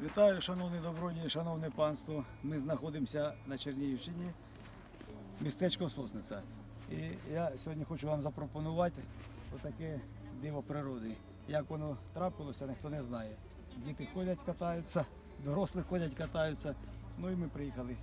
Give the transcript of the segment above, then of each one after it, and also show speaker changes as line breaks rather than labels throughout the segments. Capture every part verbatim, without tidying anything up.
Вітаю, шановні добродії, шановне панство. Ми знаходимося на Чернігівщині, містечко Сосниця. І я сьогодні хочу вам запропонувати отаке диво природи. Як воно трапилося, ніхто не знає. Діти ходять, катаються, дорослі ходять, катаються. Ну і ми приїхали.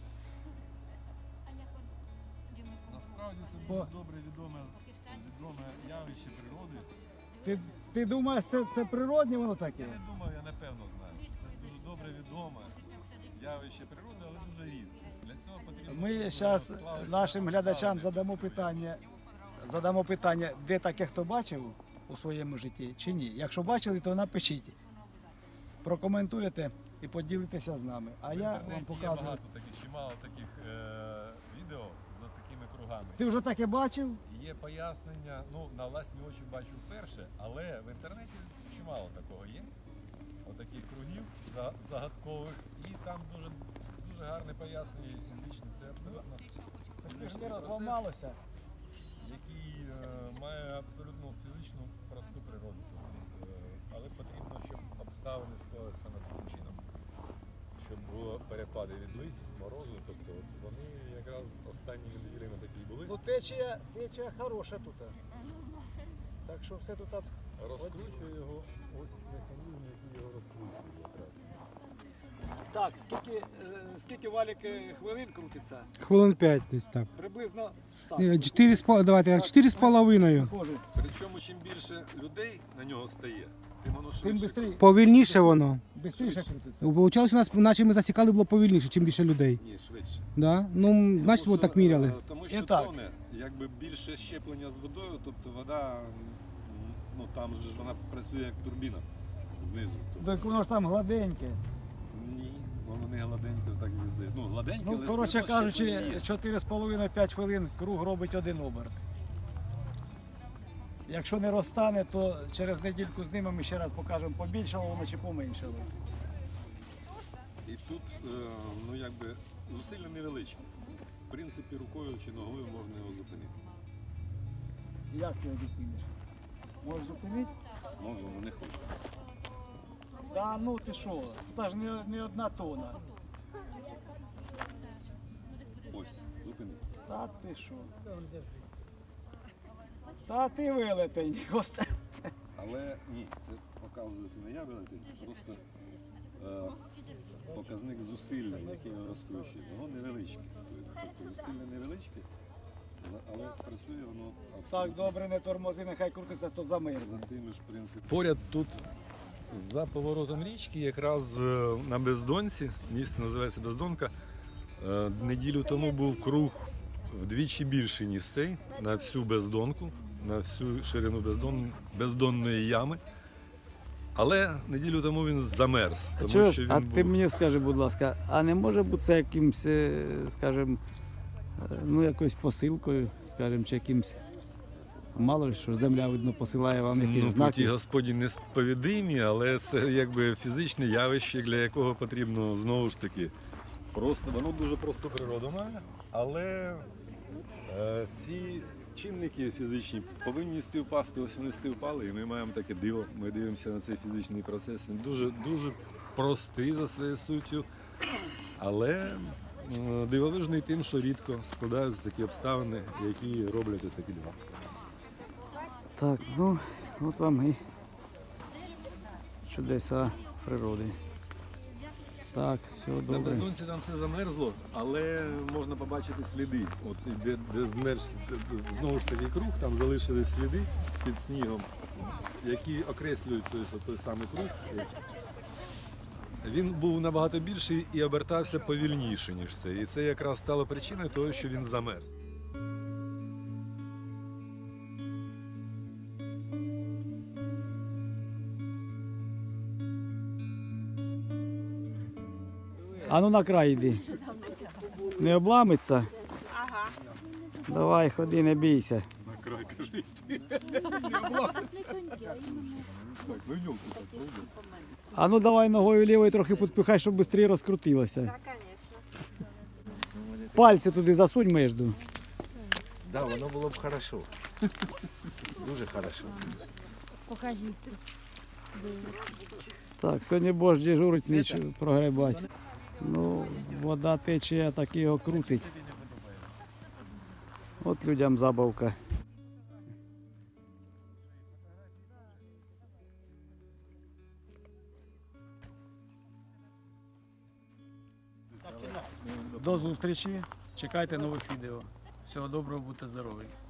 Насправді це дуже добре відоме, відоме явище природи.
Ти, ти думаєш, це, це природне воно таке?
Я не думаю, я напевно знаю, що це дуже добре відоме явище природи, але дуже рідке. Для цього потрібно,
Ми
щоб
зараз
склалися
нашим глядачам
обставини.
задамо питання, задамо питання, де таке хто бачив у своєму житті чи ні. Якщо бачили, то напишіть. Прокоментуєте і поділитеся з нами. А
В
я вам
інтернеті є
покажу.
багато таких, чимало таких е, відео за такими кругами.
Ти вже таке бачив?
Є пояснення, ну на власні очі бачу вперше, але в інтернеті чимало такого є. Отаких кругів за- загадкових, і там дуже дуже гарне пояснення є фізичне. Це абсолютно
Ти ж
фізичний
не
процес,
розламалося.
який е, має абсолютно фізичну просту природу. Тобто, е, але потрібно, щоб обставини склалися саме таким чином, щоб було перепади відлить, морозу. Тобто от вони якраз останніми неділями такі були.
Ну течія, течія хороша тут. Так що все тут.
Розкручує його ось механізм, який його розкручує якраз.
Так, скільки, е, скільки валік е, хвилин крутиться?
Хвилин п'ять десь так.
Приблизно так.
Е, Чотири з пол- давайте так, чотири з половиною.
Виходжу.
Причому чим більше людей на нього стає, тим воно
Тим
швидше.
швидше,
Повільніше воно.
швидше крутиться.
Получалось у нас, наче ми засікали, було повільніше, чим більше людей.
Ні, швидше.
Да? Ну, значить,
Тому
от так
що,
міряли.
е, Тому що
І так.
тоне, якби більше щеплення з водою, тобто вода, м, ну там же ж вона працює як турбіна знизу. Тобто,
Так воно ж там гладеньке.
ні, воно не гладеньке, так не здається. Ну, гладеньке,
Ну,
але
коротше
все одно щеплення
кажучи,
є.
чотири з половиною - п'ять хвилин круг робить один оберт. Якщо не розтане, то через недільку знімемо і ще раз покажемо, побільшало воно чи поменшало.
І тут, е, ну якби, зусилля невеличкі. В принципі, рукою чи ногою можна його зупинити.
Як ти його зупиниш? Можеш зупинити?
Можу, але не хочу.
Та ну ти що, це ж не, не одна тона.
Ось, зупинити.
Та ти що? Та ти велетень, Костя.
Але ні, це показується не я велетень, це просто е, показник зусилля, яке його розкручує. Воно невеличке. Тобто зусилля невеличке, але працює воно
Так,
абсолютно
добре, не тормози, нехай крутиться, то замерзне.
за тими ж принципами. Поряд тут за поворотом річки, якраз е, на Бездонці, місце називається Бездонка, е, неділю тому був круг вдвічі більший, ніж цей, на всю Бездонку, на всю ширину бездон, бездонної ями. Але неділю тому він замерз, тому
Чуєш,
що він
а
був...
ти мені скажи, будь ласка, а не може бути це якимсь, е, скажімо, е, ну якоюсь посилкою, скажімо, чи якимсь, мало ли що земля, видно, посилає вам якісь
Ну,
знаки.
путі Господні несповідимі, але це якби фізичне явище, для якого потрібно знову ж таки просто, воно дуже просту природу має, але е, ці чинники фізичні повинні співпасти, ось вони співпали, і ми маємо таке диво. Ми дивимося на цей фізичний процес. Він дуже, дуже простий за своєю суттю, але е, дивовижний тим, що рідко складаються такі обставини, які роблять ось такі дива.
Так, ну, от вам і чудеса природи. Так, все
На
добре.
Бездонці там все замерзло, але можна побачити сліди. От і де, де змерз знову ж таки круг, там залишились сліди під снігом, які окреслюють той, той самий круг. Він був набагато більший і обертався повільніше, ніж це. І це якраз стало причиною того, що він замерз.
А ну на край йди. Не обламиться?
Ага.
Давай, ходи, не бійся.
На край кажи. Не обламиться. Так, ну йдемо так, правда?
А ну давай ногою лівою трохи підпихай, щоб швидше розкрутилося.
Так, конечно.
Пальці туди засунь между.
Да, воно було б хорошо. Дуже хорошо.
Покажіть.
Так, сьогодні Бош дежурить, ніч прогребать. Ну, вода тече, так його крутить. От людям забавка. До зустрічі. Чекайте нових відео. Всього доброго, будьте здорові.